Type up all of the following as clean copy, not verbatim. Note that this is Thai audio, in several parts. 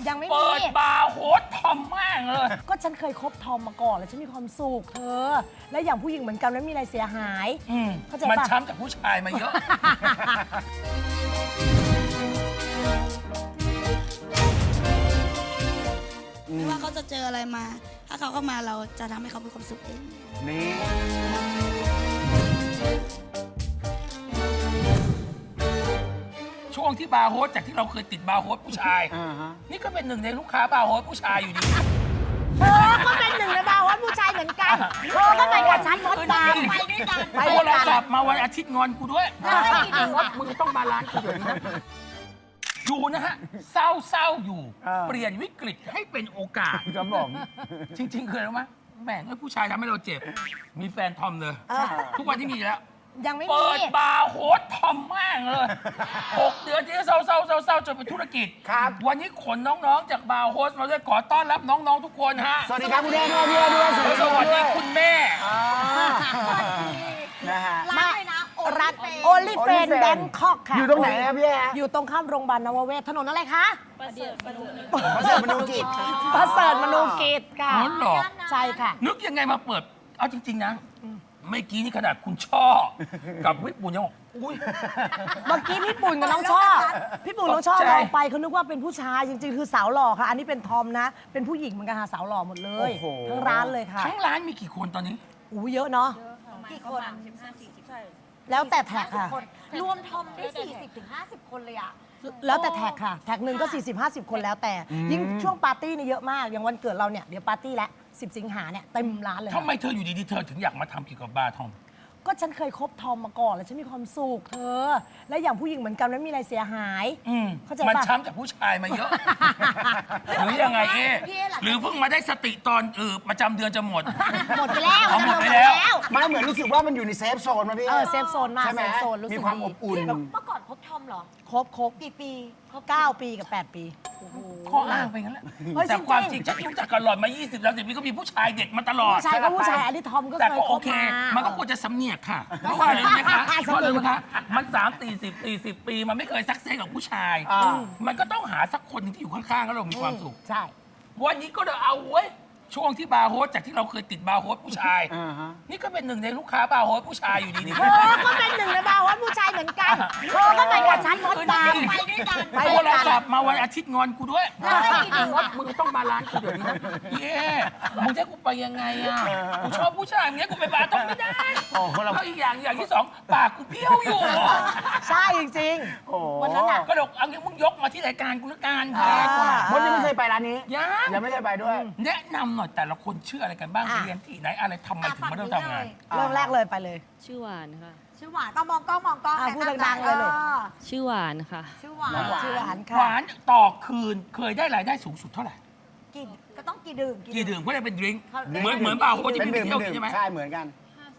ยังไม่มีเปิดบาร์โฮสทอมมากเลยก็ฉันเคยคบทอมมาก่อนแล้วฉันมีความสุขเธอ และอย่างผู้หญิงเหมือนกันไม่มีอะไรเสียหายเข้าใจปะมันช้ำจากผู้ชายมาเยอะไม่ว่าเขาจะเจออะไรมา ถ้าเขาเข้ามาเราจะทำให้เขามีความสุขเองนี่ช่วงที่บาร์โฮสจากที่เราเคยติดบาร์โฮสผู้ชาย นี่ก็เป็นหนึ่งในลูกค้าบาร์โฮสผู้ชายอยู่ดีเธอก็เป็นหนึ่งในบาร์โฮสผู้ชายเหมือนกันเธอก็ไปกับฉันมดดำไปด้วยกันโทรศัพท์มาวันอาทิตย์งอนกูด้วยงดมึงต้องมาร้านกูเดี๋ยวนี้นะอยู่นะฮะเศร้าอยู่ เปลี่ยนวิกฤตให้เป็นโอกาสครับผมจริงๆเคยรู้ไหมแม่งผู้ชายทำให้เราเจ็บ มีแฟนทอมเลย ทุกวันที่มีแล้วยังไม่มีเปิดบาร์โฮสทอมมากเลย 6 เดือนที่เศร้าจนเป็นธุรกิจครับวันนี้ขนน้องๆจากบาร์โฮสมาด้วยขอต้อนรับน้องๆทุกคนฮะสวัสดีครับคุณแม่ด้วยสวัสดีสวัสดีคุณแม่นะฮะร้านเลยนะร้านโอลิเฟนแบงคอกค่ะอยู่ตรงไหนครับพี่แออยู่ตรงข้ามโรงพยาบาลนวเวศถนนอะไรคะประเสริฐมนูกิจประเสริฐมนูกิจค่ะอ๋อเหรอใช่ค่ะนึกยังไงมาเปิด เอาจริง ๆ นะ เมื่อกี้นี่ขนาดคุณช่อ กับวิปุญยังบอกอุ้ยเมื่อกี้พี่ปุ่นกับน้องช่อพี่ปุ่นน้องช่อตกใจมองไปเขานึกว่าเป็นผู้ชายจริงๆคือสาวหล่อค่ะ อันนี้เป็นทอมนะ เป็นผู้หญิงเหมือนกันค่ะสาวหล่อหมดเลยโอ้โหทั้งร้านเลยค่ะทั้งร้านมีกี่คนตอนนี้อู้เยอะเนาะกี่คนแล้วแต่แท็กค่ะรวมทอมได้ 40-50 คนเลยอ่ะแล้วแต่แท็กค่ะ แท็กหนึ่งก็ 40-50 คนแล้วแต่ ยิ่งช่วงปาร์ตี้เนี่ยเยอะมาก อย่างวันเกิดเราเนี่ย เดี๋ยวปาร์ตี้แล้ว 10 สิงหาเนี่ยเต็มร้านเลยทำไมเธออยู่ดีๆเธอถึงอยากมาทำเกี่ยวกับบาร์ทอมก็ฉันเคยคบทอมมาก่อนแล้วฉันมีความสุขเธอ และอย่างผู้หญิงเหมือนกันไม่มีอะไรเสียหาย เข้าใจปะมันช้ำจากผู้ชายมาเยอะ หรือยังไงเอ๊ะพี่เอ๊ะหลังจากหรือเพิ่งมาได้สติตอนประจำเดือนจะหมดหมดไปแล้วเอาหมดไปแล้วไม่เหมือนรู้สึกว่ามันอยู่ในเซฟโซนมาพี่เซฟโซนมากใช่ไหมเซฟโซนรู้สึกมีความดีอบอุ่นเมื่อก่อนคบทอมเหรอครบกี่ปี 9 ปีกับ 8 ปีข้ออ้างไปงั้นแหละเฮ้ยแต่จริงๆความจริงฉันรู้จักกันหลอดมา 20-30 ปีก็มีผู้ชายเด็ดมาตลอดผู้ชายก็ผู้ชายอันนี้ทอมก็แต่เคยก็คโอบ เคมามันก็ควรจะสำเนียกค่ะ เพราะว่าอะไรรู้ไหมคะเพราะอะไรรู้ไหมคะมัน30-40 ปี มันไม่เคยซักเซสกับผู้ชาย มันก็ต้องหาสักคนหนึงที่อยู่ข้างๆแล้วเรามีความสุขใช่วันนี้ก็เลยเอาเว้ย ช่วงที่บาร์โฮสจากที่เราเคยติดบาร์โฮสผู้ชาย นี่ก็เป็นหนึ่งในลูกค้าบาร์โฮสผู้ชายอยู่ดีเธอก็เป็นหนึ่งในบาร์โฮสผู้ชายเหมือนกันเธอก็ไปกับฉันมดดำไปด้วยกันไปโทด้วยรกันศัพท์มาวันอาทิตย์งอนกูด้วยงดมึงต้องมาร้านกูเดี๋ยวนี้นะเย้มึงจะให้กูไปยังไงอ่ะกูชอบผู้ชายอย่างเงี้ยกูไปบาร์ต้องไม่ได้โอ้คนละแล้วอีกอย่างที่สองปากกูเบี้ยวอยู่ใช่จริงโอ้ๆวันนั้นอ่ะก็เดี๋ยวเอางี้มึงยกมาที่รายการกูละกันอ่าดีกว่ามดยังไม่เคยไปร้านนี้ยังไม่เคยไปด้วยแนะนำหน่อยแต่ละคนชื่ออะไรกันบ้างอ่ะเรียนที่ไหนอะไรทำไมถึงมาเริ่มทำงานเริ่มแรกเลยไปเลยชื่อหวานค่ะชื่อหวานต้องมองกล้องมองกล้องพูดดังๆเลยลูกชื่อหวานค่ะชื่อหวานน้องหวานชื่อหวานหค่ะวานต่อคืนเคยได้รายได้สูงสุดเท่าไหร่กี่ก็ต้องกี่ดื่มกี่ดื่มก็ได้เป็นดริงก์เขาเหมือนบาร์โฮสที่เป็นพี่ไปดื่มเที่ยวกินใช่ไหมใช่เหมือนกัน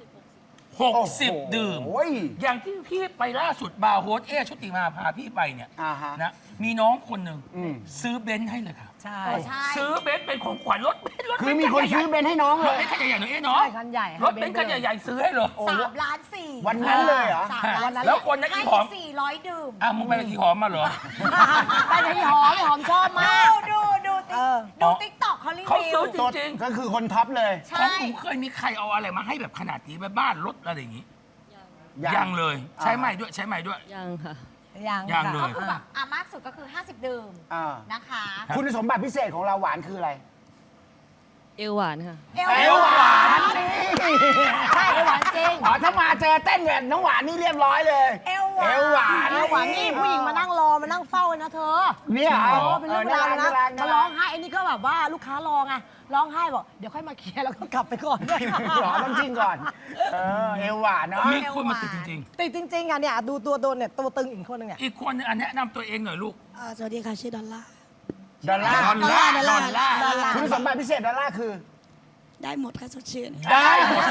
60 ดื่มโอ้ยอย่างที่พี่ไปล่าสุดบาร์โฮสชุติมาพาพี่ไปเนี่ยอ่าฮะนะมีน้องคนหนึ่งอืมซื้อเบนซ์ให้เลยค่ะใช่ใช่ซื้อเบนซ์เป็นของขวัญรถเบนซ์รถคือมีคนซื้อเบนซ์ให้น้องรเลถยเบนซ์คันใหญ่ๆหน่อยเนาะใช่คันใหญ่รถเบนซ์คันใหญ่ๆซื้อให้เลย 3,400,000 วันนั้นเลยเหรอ 3,000,000 แล้วคนนั้นให้อีหอม 400 ดื่มอ่ะมึงไปกับอีหอมมาเหรอไปกับพี่หอมพี่หอมชอบมากดูติ๊กต็อกเขารีเขาวิซื้วอจริงก็คือคนท็อปเลยๆของหนูเคยมีใครเอาอะไรมาให้แบบขนาดนี้ไปบ้านรถอะไรอย่างงี้ ยังเลย ใช้ใหม่ด้วยใช้ใหม่ด้วยยังค่ะยังยังค่ะเลยก็คือแบบมากสุดก็คือ 50 ดื่มอ่านะคะคุณสมบัติพิเศษของเราหวานคืออะไรเอวหวานค่ะเอเอววหหวาวาน นนี่ใช่เอวหวานจริงอ๋อถ้ามาเจอเต้นแบบน้องหวานนี่เรียบร้อยเลยเอวหวานเอวหวานเอวหวานนี่ผู้หญิงมานั่งรอมานั่งเฝ้าเลยนะเธอเนี่ยเหรอโอ้เป็นเรื่องเวลาวเลยนะรักมาร้องไห้ไอ้นี่ก็แบบว่าลูกค้ารอไงร้องไห้บอกเดี๋ยวค่อยมาเคลียร์แล้วก็กลับไปก่อนหรอต้องจริงก่อน เอวหวานเนาะมีคนมาติดจริงติดจริงๆอ่ะเนี่ยดูตัวโดนเนี่ยตัวตึงอีกคนนึงเนี่ยๆ อีกคนนึงอันแนะนำตัวเองหน่อยลูกสวัสดีค่ะ ชื่อดอลลาร์ดอลลาร์ดอลลาร์ดอลลาร์ดอลลาร์คุณสมบัติพิเศษดอลลาร์คือได้หมดค่ะสดชื่นได้หมด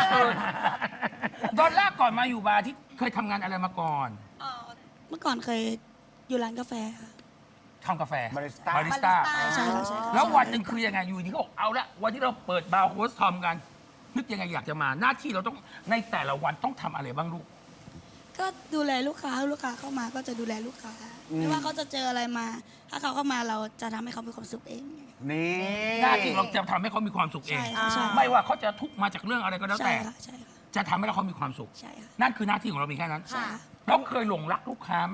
ดอลลาร์ก่อนมาอยู่บาร์ที่เคยทำงานอะไรมาก่อนเมื่อก่อนเคยอยู่ร้านกาแฟค่ะทำกาแฟบาริสต้าบาริสต้าใช่ค่ะใช่ค่ะแล้ววันหนึ่งคือยังไงอยู่ดีเขาบอกเอาละวันที่เราเปิดบาร์โฮสทอมกัน นึกยังไงอยากจะมาหน้าที่เราต้องในแต่ละวันต้องทำอะไรบ้างลูกกก็ดูแลลูกค้าเข้ามาก็จะดูแลลูกค้า ไม่ว่าเขาจะเจออะไรมา ถ้าเขาเข้ามาเราจะทำให้เขามีความสุขเองนี่หน้าที่เราจะทำให้เขามีความสุขเองใช่ค่ะใช่ไม่ว่าเขาจะทุกข์มาจากเรื่องอะไรก็แล้วใช่แต่ค่ะใช่ค่ะจะทำให้เขามีความสุขใช่ค่ะนั่นคือหน้าที่ของเรามีแค่นั้นค่ะเราเคยหลงรักลูกค้าไหม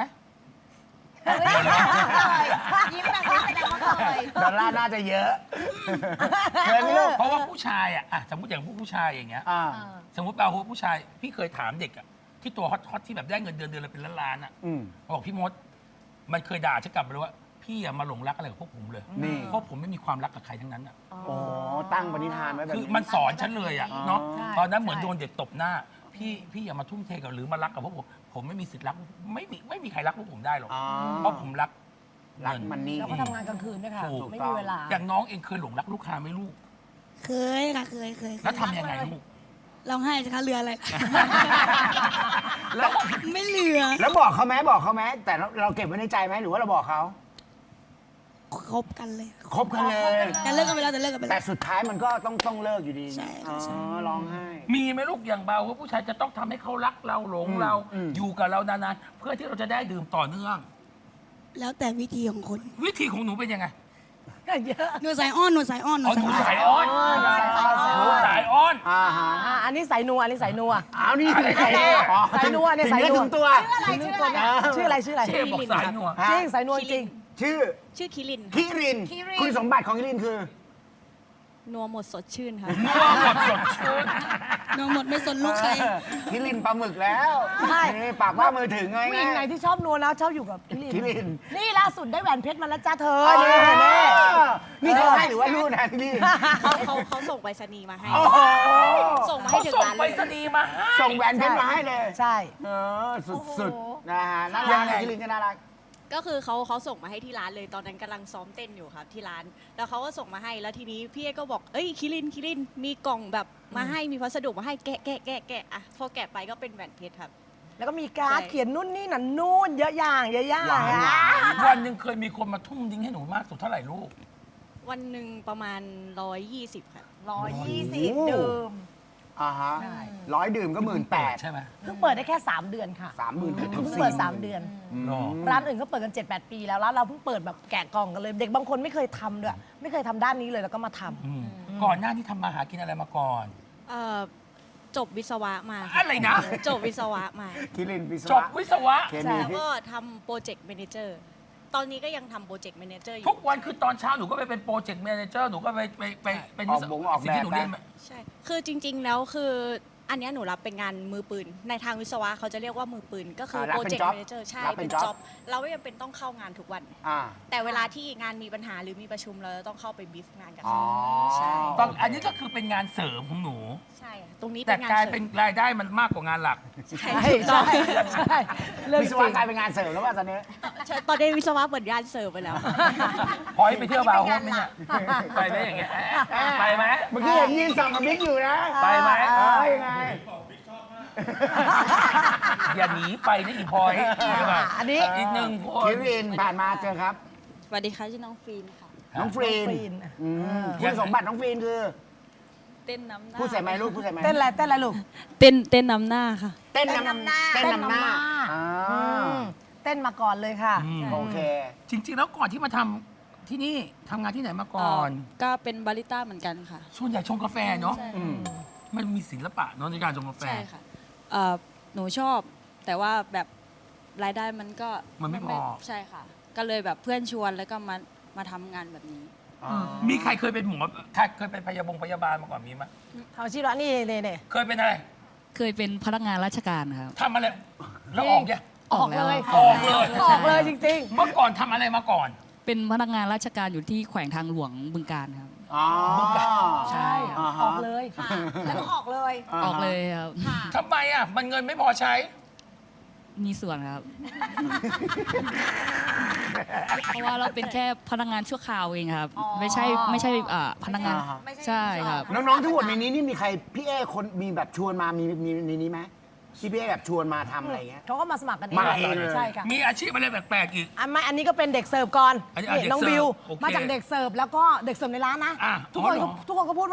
ยิ้มแบบนี้แสดงว่าเคยดอลลาร์น่าจะเยอะเคยไหมลูกเพราะว่าผู้ชายอะสมมติอย่างผู้ชายอย่างเงี้ยอ่าสมมติเราผู้ชายพี่เคยถามเด็กอะที่ตัวฮอตๆที่แบบได้เงินเดือนละเป็นล้านๆอะอืมบอกพี่มด มันเคยด่าฉันกลับไปเลยว่าพี่อย่ามาหลงรักอะไรกับพวกผมเลยนี่เพราะผมไม่มีความรักกับใครทั้งนั้นอะโอ้ตั้งปณิธานไว้แบบคือนี้มันสอนฉันเลยอะเนาะใช่ตอนนั้นเหมือนใช่โดนเด็กตบหน้า พี่อย่ามาทุ่มเทกับหรือมารักกับพวกผมไม่มีสิทธิ์รักไม่มีใครรักพวกผมได้หรอกอ๋อเพราะผมรักรักมันนี่แล้วก็ทำงานกลางคืนด้วยค่ะถูกไม่มีเวลาอย่างน้องเองเคยหลงรักลูกค้าไหมลูกเคยค่ะเคยแล้วทำยังไงลูกร้องไห้สิคะเรืออะไรคะแล้วไม่เหลือแล้วบอกเขาไหมแต่เราเก็บไว้ในใจไหมหรือว่าเราบอกเขาคบกันเลยคบกันเลยแต่เลิกกันไปแล้วแต่เลิกกันไปแต่แล้วสุดท้ายมันก็ต้องเลิกอยู่ดีใช่อ๋ค่ะใช่อร้องไห้มีไหมลูกอย่างเบาว่าผู้ชายจะต้องทำให้เขารักเราหลงเราอืมอยู่กับเรานานๆเพื่อที่เราจะได้ดื่มต่อเนื่องแล้วแต่วิธีของคนวิธีของหนูเป็นยังไงเยอะหนูสายอ้อนหนูสายอ้อนอ๋อหนูสายอ้อนหนูสายอ้อนอ่าฮะอันนี้สายนัวอันนี้สายนัวเอานี่อะไรใส่อ๋อสายนัวเนี่ยสายนัวถึงตัวชื่ออะไรชื่ออะไรเชฟบอกสายหนัวฮะจริงสายนัวจริงชื่อชื่อคิรินคิริน คุณสมบัติของคิรินคือนัวหมดสดชื่นค่ะนัวหมดสดชื่นหนูหมดไม่สนลูกใครคิรินปลาหมึกแล้วใช่นี่ปากว่ามือถึงไงผู้หญิงไหนที่ชอบนัวนะชอบอยู่กับพี่ลินคิรินนี่ล่าสุดได้แหวนเพชรมาแล้วจ้าเธออ๋อนี่นี่เขาให้หรือว่ารูดนะคิรินเขาส่งไปรษณีย์มาให้โอ้โหส่งมาให้เขาถึงส่งร้านไปเลยรษณีย์มาให้ส่งแหวนเพชรมาให้เลยใช่เออสุดๆนะฮะน่ารักคิรินก็น่ารักก็คือเขาส่งมาให้ที่ร้านเลยตอนนั้นกำลังซ้อมเต้นอยู่ครับที่ร้าน แล้วเขาก็ส่งมาให้แล้วทีนี้พี่เอก็บอกเอ้ยคิรินมีกล่องแบบมาให้มีพัสดุมาให้แกะอ่ะพอแกะไปก็เป็นแหวนเพชรครับแล้วก็มีการ์ดใช่เขียนนู่นนี่นั่นนู่นเยอะอย่างเยอะอย่างว้าวอ่ะวันหนึ่งเคยมีคนมาทุ่มดิ้งให้หนูมากสุดเท่าไหร่ลูกวันหนึ่งประมาณ 120ครับ 120 ดื่มอ่าฮะ100 ดื่มก็18,000 ใช่ไหมเพิ่งเปิดได้แค่ 3 เดือนค่ะ 30,000 เพิ่งเปิด 3 เดือนหรอร้านอื่นเขาเปิดกัน 7-8 ปีแล้วร้านเราเพิ่งเปิดแบบแกะกล่องกันเลย เด็กบางคนไม่เคยทำด้วยไม่เคยทำด้านนี้เลยแล้วก็มาทำอืมก่อนหน้านี้ทำมาหากินอะไรมาก่อนจบวิศวะมาค่อะไรนะจบวิศวะมาคิรินวิศจบวะวิศวะเคแล้มีวก็ทำโปรเจกต์แมเนเจอร์ตอนนี้ก็ยังทำโปรเจกต์แมเนเจอร์อทุยู่กวันคือตอนเช้าหนูก็ไปเป็นโปรเจกต์แมเนเจอร์หนูก็ไปเป็นวิศวะสิ่งที่หนูเรียนมาใช่ คือจริง ๆ แล้วคืออันเนี้ยหนูรับเป็นงานมือปืน ในทางวิศวะเขาจะเรียกว่ามือปืน ก็คือรับโปรเป็นเจกต์ job แมเนเจอร์ใช่รับเป็เป็น น job จ็อบเราไม่จำเป็นต้องเข้างานทุกวันอ่าแต่เวลาที่งานมีปัญหาหรือมีประชุมเราจะต้องเข้าไปบีฟงานกันอ๋อใช่ตอนอันนี้ก็คือเป็นงานเสริมของหนูใช่ค่ะตรงนี้แต่เป็นงานกลายเสริเป็นมรายได้มันมากกว่างานหลักใช่ใช่ถูกต้องใช่เรื่องวิจศริวะงกลายเป็นงานเสริมแล้วว่าตอนนี้ใช่ตอนนี้วิศวะเปิดงานเสริมไปแล้วพอยไปเที่ยวบาร์โฮสไหมเนี่ยไปไหมอย่างเงี้ยไปไหมเมื่อกี้เห็นยืนส่องกับบิ๊กอยู่นะไปไหมยังไงอย่าหนีไปนะอีพลอยอันนี้อีกหนึ่งคนคิรินผ่านมาเจอครับสวัสดีค่ะชื่อน้องฟีนค่ะน้องฟรีนฟรีนอืมคุณสมบัติน้องฟรีนคือเต้นน้ำหน้าพูดใส่ไมค์ลูกพูดใส่ไมค์เต้นอะไรลูกเต้นน้ำหน้าค่ะเต้นนำหน้าเต้นนำหน้าอ่าอืมเต้นมาก่อนเลยค่ะอืมโอเคจริงๆแล้วก่อนที่มาทำที่นี่ทำงานที่ไหนมาก่อนก็เป็นบาริสต้าเหมือนกันค่ะส่วนใหญ่ชงกาแฟเนาะใช่อืมมันมีศิลปะเนาะในการชงกาแฟใช่ค่ะหนูชอบ แต่ว่าแบบรายได้มันก็มันไม่พอใช่ค่ะ ก็เลยแบบเพื่อนชวนแล้วก็มาทำงานแบบนี้มีใครเคยเป็นหมอใครเคยเป็นพยาบาลมาก่อนมีไหมเอาชีวะนี่นี่เคยเป็นอะไรเคยเป็นพนักงานราชการครับทำอะไรแล้วออกยังออกเลยออกเลยออกเลยจริงเมื่อก่อนทำอะไรมาก่อนเป็นพนักงานราชการอยู่ที่แขวงทางหลวงบึงการครับอ๋อๆ ใช่อ่าฮะออกเลยค่ะ แล้วก็ออกเลยออกเลยครับค่ะทำไมอ่ะมันเงินไม่พอใช้มีส่วนครับ เพราะว่าเราเป็นแค่พนักงานชั่วคราวเองครับอ๋อไม่ใช่พนักงานอ่าฮะไม่ใช่ใช่ครับน้องๆทั้งหมดในนี้นี่มีใครพี่เอคนมีแบบชวนมามีในนี้ไหมที่พี่เอแบบชวนมาทำอะไรเงี้ยเขาก็มาสมัครกันเองมาเองเลยใช่ค่ะมีอาชีพอะไรแปลกๆอีกอันนี้ก็เป็นเด็กเสิร์ฟก่อนอันนี้นี่เด็กน้องเสิร์ฟบิวโอเคมาจากเด็กเสิร์ฟแล้วก็เด็กเสิร์ฟในร้านนะอ่ะทุกคนอ๋อเหรอทุกคนก็พูดว่า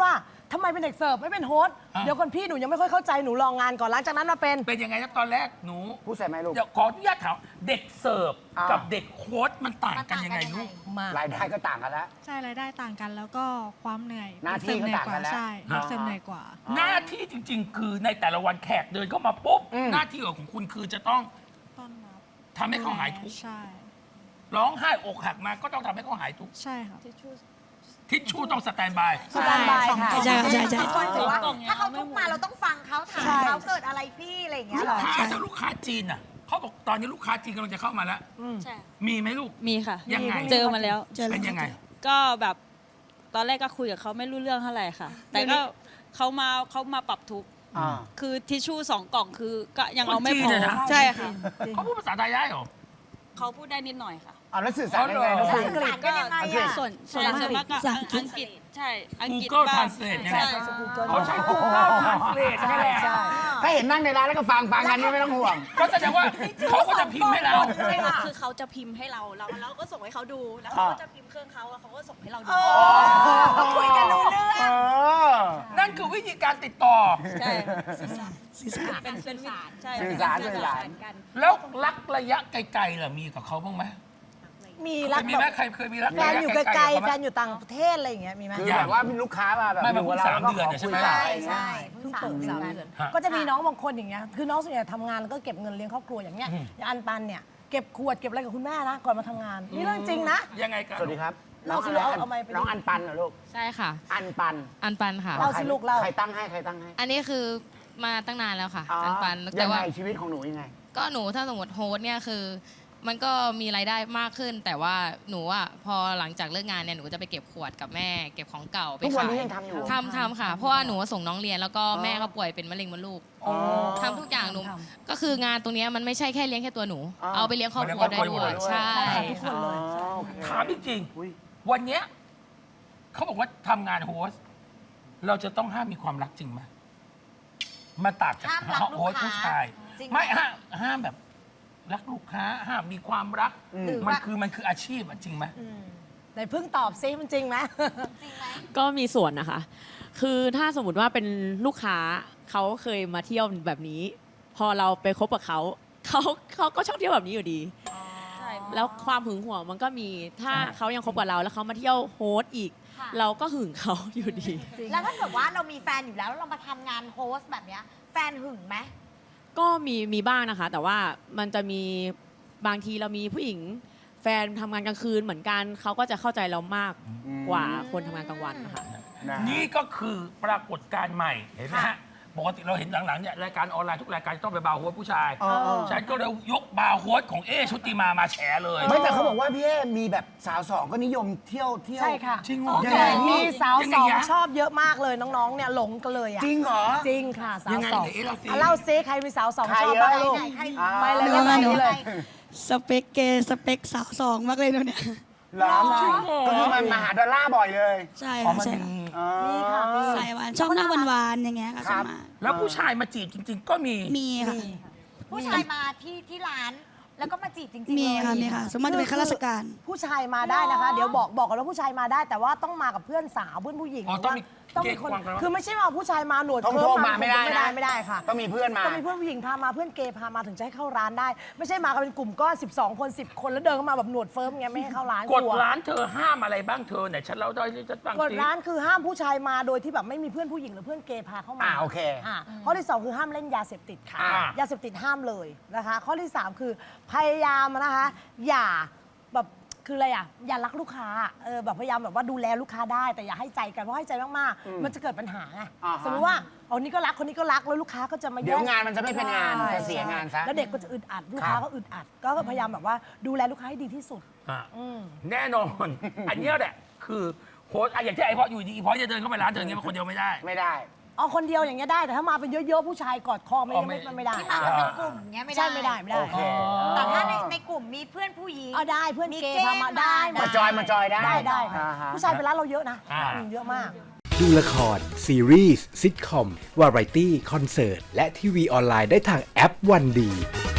ทำไมเป็นเด็กเสิร์ฟไม่เป็นโฮสต์เดี๋ยวก่อนพี่หนูยังไม่ค่อยเข้าใจหนูลองงานก่อนหลังจากนั้นมาเป็นเป็นยังไงนะตอนแรกหนูพูดใส่ไหมลูกเดี๋ยวขออนุญาตถามเด็กเสิร์ฟอ่ากักับเด็กโค้ชมันต่างกันยังไงลูกมารายได้ก็ต่างกันแล้วใช่รายได้ต่างกันแล้วก็ความเหนื่อยหน้าที่ก็ต่างกันแล้วใช่เด็กเสิร์ฟเหนื่อยกว่าหน้าที่จริง ๆ คือในแต่ละวันแขกเดินเข้ามาปุ๊บหน้าที่ของคุณคือจะต้องต้อนรับทำให้เขาหายทุกข์ใช่ร้องไห้อกหักมาก็ต้องทำให้เขาหายทุกข์ใช่ค่ะทิชชู่ต้องสแตนบายสแตนบายค่ะใช่ใช่ใช่ทุกคนถือว่าสองกล่องเนี่ยถ้าเขาทุกข์มาเราต้องฟังเขาถามใช่เขาเกิดอะไรพี่อะไรอย่างเงี้ยลูเหรกอค้าถ้าลูกค้าจีนน่ะเขาบอกตอนนี้ลูกค้าจีนกำลังจะเข้ามาแล้วใช่มีไหมลูกมีค่ะยังไงเจอมาแล้วเจอแล้เป็วนยังไงก็แบบตอนแรกก็คุยกับเขาไม่รู้เรื่องเท่าไหร่ค่ะ แต่ก็เขามาปรับทุกข์อ่าคือทิชชู่2 กล่องคือก็ยังเอาไม่คนจีพนอเนี่ยนะใช่ค่ะเขาพูดภาษาไทยได้เหรอเขาพูดได้นิดหน่อยค่ะเอาแล้วสื่อสารยังไงอ๋อเหรอน้องสื่ฟิอล์มสารกันยังไงอะส่วนมากก็อังกฤษใช่อังกฤษ Google บ้าง Translate เนี่ยใช่เขาใช้ Google Translate ใช่ไหมใช่ถ้าเห็นนั่งในร้านแล้วก็ฟังกันนี่ไม่ต้องห่วงก็แสดงว่าเขาก็จะพิมพ์ให้เราใช่ค่ะคือเขาจะพิมพ์ให้เราแล้วก็ส่งให้เขาดูแล้วเขาก็จะพิมพ์เครื่องเขาแล้วเขาก็ส่งให้เราดูคุยกันรู้เรื่องเออนั่นคือวิธีการติดต่อใช่สื่อสารเป็นวิธีใช่สื่อสารเป็นสื่อสารกันแล้วรักระยะไกลๆล่ะมีกับเขาบ้างไหมมีเครัยกมีแบไหมบใครเคยมีรักแฟระนยะอยู่ไกไกลลๆกับๆแฟเขานไหมอยู่ต่างประเทศอะไรอย่างเงี้ยมีไหมคือแบบว่ามีลูกค้ามาแบบไม่มาอยู่เพิ่งกับสามเราเดือนเนี่ยใช่ไหมใช่ใช่เพิ่งเปิด3 เดือนฮะก็จะมีน้องบางคนอย่างเงี้ยคือน้องส่วนใหญ่ทำงานแล้วก็เก็บเงินเลี้ยงครอบครัวอย่างเงี้ยอย่างอันปันเนี่ยเก็บขวดเก็บอะไรกับคุณแม่นะก่อนมาทำงานนี่เรื่องจริงนะยังไงกันสวัสดีครับเราสิลูกเอาไมค์ไปน้องอันปันเหรอลูกใช่ค่ะอันปันอันปันค่ะเราสิลูกเราใครตั้งให้ใครตั้งให้อันนี้คือมาตั้งนานแล้วค่ะอ๋ออันปันยัแต่งไงว่าชีวิตของหนูยังไงก็หนูถ้าสมมติโฮสต์เนี่ยคือ มันก็มีรายได้มากขึ้น แต่ว่าหนูอ่ะพอหลังจากเลิกงานเนี่ยหนูก็จะไปเก็บขวดกับแม่ เก็บของเก่าไปทุกวันขายนี้ยังทำอยู่ทำค่ะ เพราะว่าหนูส่งน้องเรียนแล้วก็แม่ก็ป่วยเป็นมะเร็งมดลูกทำทุกอย่างหนูก็คืองานตรงเนี้ยมันไม่ใช่แค่เลี้ยงแค่ตัวหนูอ๋อเอาไปเลี้ยงครอบครัวได้ด้วยใช่ทุกคนเลยอ๋อโอเคถามจริงอุ๊ยๆวันเนี้ยเขาบอกว่าทำงานโฮสต์เราจะต้องห้ามมีความรักจริงไหมมาต่างจากห้ามรักลูกค้าโฮสต์ผู้ชายจริงไหมไม่ห้ามแบบรักลูกค้าห้ามมีความรักหรือมันว่าคือมันคืออาชีพอะจริงไหมไหนเพิ่งตอบซิมันจริงไหมก็มีส่วนนะคะ คือถ้าสมมติว่าเป็นลูกค้าเขาเคยมาเที่ยวแบบนี้ พอเราไปคบกับเขาก็ชอบเที่ยวแบบนี้อยู่ดีใช่แล้วความหึงหวงมันก็มี ถ้าเขายังคบกับเราแล้วเขามาเที่ยวโฮสต์อีกค่ะเราก็หึงเขาอยู่ดีแล้วถ้าเกิดว่าเรามีแฟนอยู่แล้วแล้วเรามาทำงานโฮสต์แบบเนี้ยแฟนหึงไหมก็มีบ้างนะคะ แต่ว่ามันจะมีบางทีเรามีผู้หญิงแฟนทำงานกลางคืนเหมือนกันเขาก็จะเข้าใจเรามากกว่าคนทำงานกลางวันนะคะนะนี่ก็คือปรากฏการณ์ใหม่เห็นไหมฮะปกติเราเห็นหลังๆเนี่ยรายการออนไลน์ทุกรายการจะต้องไปบาร์โฮสผู้ชาย ฉันก็เลยยกบาร์โฮสของเอชุติมาแฉเลยไม่แต่เขาบอกว่าพี่เอมีแบบสาวสองก็นิยมเที่ยวใช่ค่ะจริงเหรอยังไงมีสาวยังสไงองยะชอบเยอะมากเลยน้องๆเนี่ยหลงกันเลยอ่ะจริงเหรอจริงค่ะสายัวงไงสองไหนเล่าสิเล่าซิใครมีสาวสองใครชอบเยอะบ้างลูกใครไปเลยหนูไปหนูเลยสเปคเกย์สเปคสาวสองมากเลยหนูเนี่ยเหรอก็คือมันมาหาดอลลาร์บ่อยเลยใช่อ๋อค่ะมันใช่มีค่ะมีค่ะมีสายหวานชอบหน้าหวานๆอย่างเงี้ยค่ะครัส่วบนมากแล้วผู้ชายมาจีบจริง ๆ ก็มีมีค่ะผู้ชายมาที่ร้านแล้วก็มาจีบจริงๆมีเลยค่ะมีค่ะส่วนมากจะเป็นข้าราชการผู้ชายมาได้นะคะ เดี๋ยวบอกกันว่าผู้ชายมาได้ แต่ว่าต้องมากับเพื่อนสาวเพื่อนผู้หญิงอ๋อหรืว่าต้องมีมีคนเกย์กวางกันวะคือไม่ใช่ว่าผู้ชายมาหนวดท่องเคิโทร์ษมาไม่ได้นะไม่ได้ค่ะต้องมีเพื่อนมาต้องมีเพื่อนผู้หญิงพามาเพื่อนเกย์พามาถึงจะให้เข้าร้านได้ ไม่ใช่มากันเป็นกลุ่มก้อน12 คน10 คนแล้วเดินเข้ามาแบบหนวดเฟิร์มเงี้ยไม่ให้เข้าร้านกฎลัวร้านเธอห้ามอะไรบ้างเธอไหนฉันเล่าได้ที่จะตั้งกฎสิร้านคือห้ามผู้ชายมาโดยที่แบบไม่มีเพื่อนผู้หญิงหรือเพื่อนเกย์พาเข้ามาโอเคข้อที่ 2 คือห้ามเล่นยาเสพติดค่ะ ยาเสพติดห้ามเลยนะคะ ข้อที่ 3 คือพยายามนะคะ อย่าแบบคืออะไรอ่ะอย่ารักลูกค้าแบบพยายามแบบว่าดูแลลูกค้าได้แต่อย่าให้ใจกันเพราะให้ใจมากๆมันจะเกิดปัญหาไงอ่าฮะสมมติว่าเอานี้ก็รักคนนี้ก็รักแล้วลูกค้าก็จะมาเดี๋ยวแย่งานมันจะไม่เป็นงานใช่จะเสียงานซะแล้วเด็กก็จะอึดอัดลูกค้าก็อึดอัดก็พยายามแบบว่าดูแลลูกค้าให้ดีที่สุดอ่ะแน่นอน อันเนี้ยแหละคือโค้ชอะอย่างที่ไอ้พออยู่ดีไอ้พอจะเดินเข้าไปร้านเธออย่างเงี้ยคนเดียวไม่ได้ไม่ได้เอาคนเดียวอย่างเงี้ยได้แต่ถ้ามาเป็นเยอะๆผู้ชายกอดคอไม่อ๋อไม่ไม่ได้ที่มากันเป็นกลุ่มเงี้ยไม่ได้ใช่ไม่ได้ไม่ได้โอเคแต่ถ้าในกลุ่มมีเพื่อนผู้หญิงเอาได้เพื่อนมีเกย์เกย์พามาได้มามาจอยได้ได้ค่ะอ่าฮะผู้ชายเป็นร้านเราเยอะนะอ่าเยอะมากดูละคร ซีรีส์ซิทคอม วาไรตี้ คอนเสิร์ต และทีวีออนไลน์ได้ทางแอปวันดี